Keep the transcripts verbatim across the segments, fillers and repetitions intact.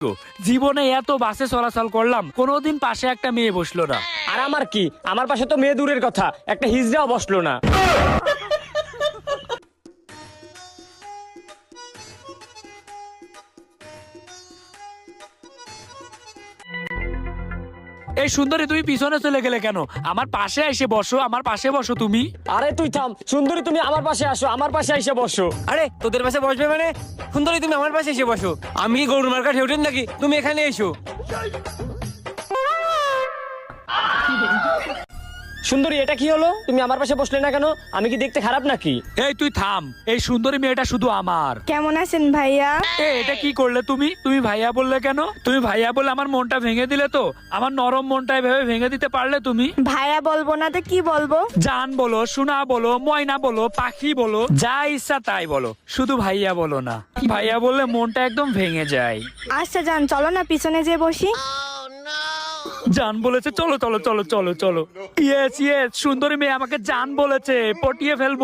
জীবনে এত বাসে চলাচল করলাম, কোনোদিন পাশে একটা মেয়ে বসলো না। আর আমার কি, আমার পাশে তো মেয়ে দূরের কথা, একটা হিজড়াও বসলো না। এই সুন্দরী, তুমি পিছনে চলে গেলে কেন? আমার পাশে এসে বসো, আমার পাশে বসো তুমি। আরে তুই থাম, সুন্দরী তুমি আমার পাশে আসো, আমার পাশে এসে বসো। আরে তোদের পাশে বসবে মানে? সুন্দরী তুমি আমার পাশে এসে বসো। আমি কি গরুর মার্কা ঠেউটেন নাকি? তুমি এখানে এসো। সুন্দরী এটা কি হলো? তুমি আমার পাশে বসলে না কেন? আমি কি দেখতে খারাপ নাকি? এই তুই থাম, এই সুন্দরী মেয়েটা শুধু আমার। কেমন আছেন ভাইয়া? এ এটা কি করলে তুমি? তুমি ভাইয়া বললে কেন? তুমি ভাইয়া বলে আমার মনটা ভেঙে দিলে তো। আমার নরম মনটা এভাবে ভেঙে দিতে পারলে তুমি? ভাইয়া বলবো না তো কি বলবো? জান বলো, সোনা বলো, ময়না বলো, পাখি বলো, যা ইচ্ছা তাই বলো, শুধু ভাইয়া বলো না। ভাইয়া বললে মনটা একদম ভেঙে যায়। আচ্ছা যান, চলো না পিছনে যেয়ে বসি। জান বলেছে, চলো চলো চলো চলো চলো। ইয়েস ইয়েস, সুন্দরী মেয়ে আমাকে জান বলেছে, পটিয়ে ফেলবো।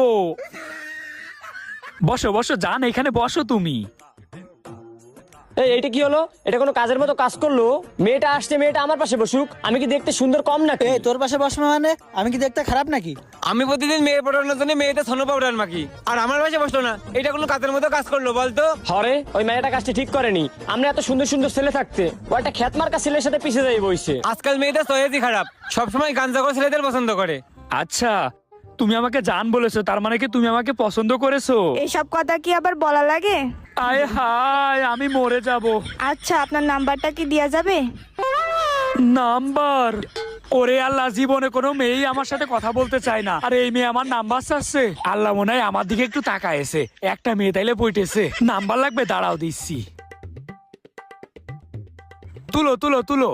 বসো বসো জান, এখানে বসো তুমি। এই এইটা কি হলো? এটা কোনো কাজের মতো কাজ করলো? মেয়েটা আসছে, মেয়েটা আমার পাশে বসুক। আমি কি দেখতে সুন্দর কম নাকি? এই তোর পাশে বসবে মানে? আমি কি দেখতে খারাপ নাকি? আমি প্রতিদিন মেয়ে পড়ানোর জন্য মেয়েটা ছন্ন পাউডার মাখি, আর আমার পাশে বসলো না। এটা কোনো কাজের মতো কাজ করলো বলতো? হরে ওই মেয়েটা কাজটা ঠিক করেনি। আমরা এত সুন্দর সুন্দর ছেলে থাকতে ও একটা খ্যাত মার্কা ছেলের সাথে পিছিয়ে যাই বইছে। আজকাল মেয়েটা সহেজই খারাপ, সবসময় গাঞ্জাখোর ছেলেদের পছন্দ করে। আচ্ছা, তুমি আমাকে জান বলেছো, তার মানে কি তুমি আমাকে পছন্দ করেছো? এইসব কথা কি আবার বলা লাগে? আয় হায়, আমি মরে যাব। আচ্ছা, আপনার নাম্বারটা কি দেয়া যাবে? নাম্বার? ওরে আল্লাহ, জীবনে কোনো মেয়েই আমার সাথে কথা বলতে চায় না, আর এই মেয়ে আমার নাম্বার চাচ্ছে। আল্লাহ মনে হয় আমার দিকে একটু তাকায়েছে। একটা মেয়ে তাইলে বইটেছে, নাম্বার লাগবে, দাঁড়াও দিচ্ছি। তুলো তুলো তুলো।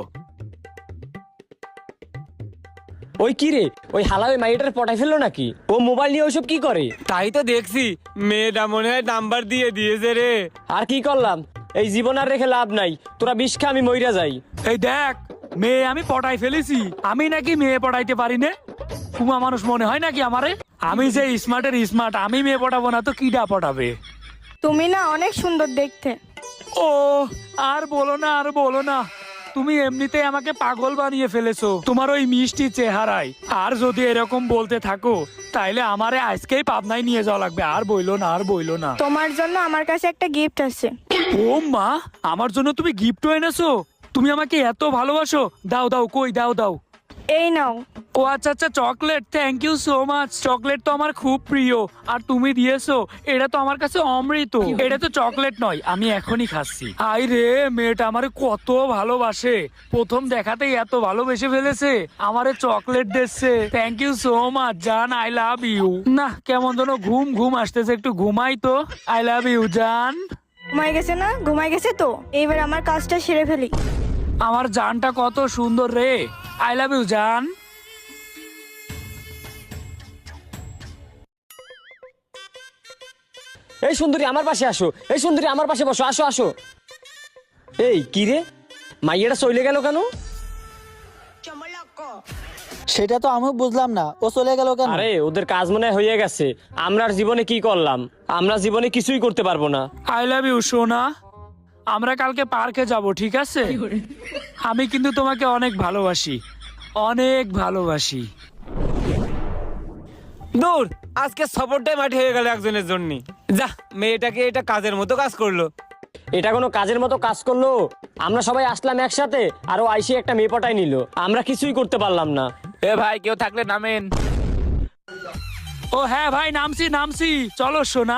ওই কি রে, ওই হালা ওই মাইটার পটাই ফেললো নাকি? ও মোবাইল নিয়ে ওইসব কি করে? তাই তো দেখছি, মেয়েটা মনে হয় নাম্বার দিয়ে দিয়েছে রে। আর কি করলাম? এই জীবন আর রেখে লাভ নাই, তোরা বিষ খা, আমি মইরা যাই। এই দেখ, মেয়ে আমি পটাই ফেলেছি। আমি নাকি মেয়ে পটাইতে পারি না? কুমা মানুষ মনে হয় নাকি আমারে? আমি যে স্মার্টের স্মার্ট, আমি মেয়ে পটাবো না তো কিডা পটাবে? তুমি না অনেক সুন্দর দেখতে। ও আর বলো না, আর বলো না। তুমি এমনিতেই আমাকে পাগল বানিয়ে ফেলেছো তোমার ওই মিষ্টি চেহারায়। আর যদি এরকম বলতে থাকো তাইলে আমারে আজকেই পাবনায় নিয়ে যাওয়া লাগবে। আর বইলো না, আর বইলো না। তোমার জন্য আমার কাছে একটা গিফট আছে। ও মা, আমার জন্য তুমি গিফটও এনেছো? তুমি আমাকে এত ভালোবাসো? দাও দাও, কই দাও দাও। এই নাও। ও আচ্ছা আচ্ছা, chocolate, thank you so much. Chocolate তো আমার খুব প্রিয়, আর তুমি দিয়েছো, এটা তো আমার কাছে অমৃত। এটা তো চকলেট নয়, আমি এখনই খাচ্ছি। আই রে, মেয়েটা আমারে কত ভালোবাসে, প্রথম দেখাতেই এত ভালোবেসে ফেলেছে, আমারে চকলেট দিচ্ছে। থ্যাংক ইউ সো মাচ জান, আই লাভ ইউ। না, কেমন যেন ঘুম ঘুম আসতেছে, একটু ঘুমাই তো। আই লাভ ইউ জান। ঘুমাই গেছে না? ঘুমাই গেছে তো, এইবার আমার কাজটা সেরে ফেলি। আমার জানটা কত সুন্দর রে। আই লাভ ইউ জান। এই সুন্দরী আমার পাশে আসো, এই সুন্দরী আমার পাশে বসো, আসো আসো। এই কি রে, মাইয়াটা চলে গেল কেন? সেটা তো আমিও বুঝলাম না, ও চলে গেল কেন? আরে ওদের কাজ মনে হয় হয়ে গেছে। আমরা আর জীবনে কি করলাম? আমরা জীবনে কিছুই করতে পারবো না। আই লাভ ইউ সোনা। আমরা কালকে পার্কে যাব, ঠিক আছে? আমি কিন্তু তোমাকে অনেক ভালোবাসি, অনেক ভালোবাসি। দূর, আজকে সফরটাই মাটি হয়ে গেল একজনের জন্য। যা, মেয়েটাকে এটা কাজের মতো কাজ করলো। এটা কোনো কাজের মতো কাজ করলো? আমরা সবাই আসলাম একসাথে, আর ও আইসি একটা মেয়ে পটাই নিল। আমরা কিছুই করতে পারলাম না। এ ভাই, কেউ থাকলে নামেন। ও হ্যাঁ ভাই, নামছি নামছি, চলো সোনা।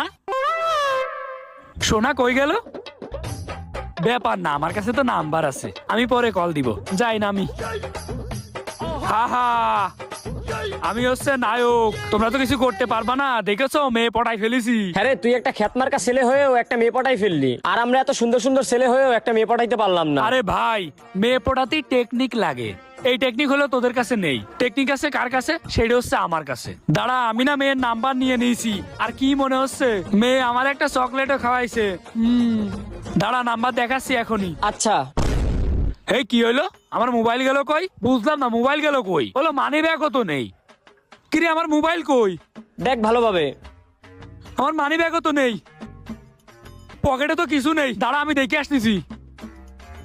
সোনা কই গেল? ব্যাপার না, আমার কাছে তো নাম্বার আছে, আমি পরে কল দিব। যাই নামি। হা হা, আমি হচ্ছে নায়ক, তোমরা তো কিছু করতে পারবা না। দেখেছো, মেয়ে পটাই ফেলেছি। হ্যাঁ রে, তুই একটা খ্যাতমার্কা ছেলে হয়েও একটা মেয়ে পটাই ফেললি, আর আমরা এত সুন্দর সুন্দর ছেলে হয়েও একটা মেয়ে পটাইতে পারলাম না। আরে ভাই, মেয়ে পটাতেই টেকনিক লাগে। এই টেকনিক হলো তোদের কাছে নেই। টেকনিক আছে কার কাছে? সেটা হচ্ছে আমার কাছে। দাঁড়া, আমি না মেয়ের নাম্বার নিয়ে নিয়েছি। আর কি মনে হচ্ছে, মেয়ে আমার একটা চকলেটও খাওয়াইছে। হুম, দাঁড়া, নাম্বার দেখাচ্ছি এখনই। আচ্ছা। এই কি হইলো? আমার মোবাইল গেল কই? বুঝলাম না, মোবাইল গেল কই? হলো মানি ব্যাগও তো নেই। কিরে, আমার মোবাইল কই? দেখ ভালোভাবে। আমার মানি ব্যাগও তো নেই, পকেটে তো কিছু নেই। দাঁড়া, আমি দেখে আসতেছি।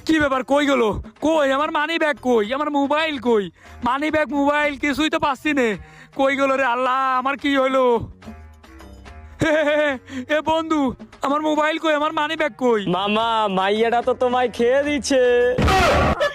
কি ব্যাপার, কই গেল? কই আমার মানি ব্যাগ, কই আমার মোবাইল, কই মানি ব্যাগ মোবাইল কিছুই তো পাচ্ছি নে। কই গেল রে আল্লাহ, আমার কি হইলো? হে, হে, হে, এ বন্ধু, আমার মোবাইল কই, আমার মানি ব্যাগ কই? মামা মাইয়াটা তো তোমায় খেয়ে দিচ্ছে।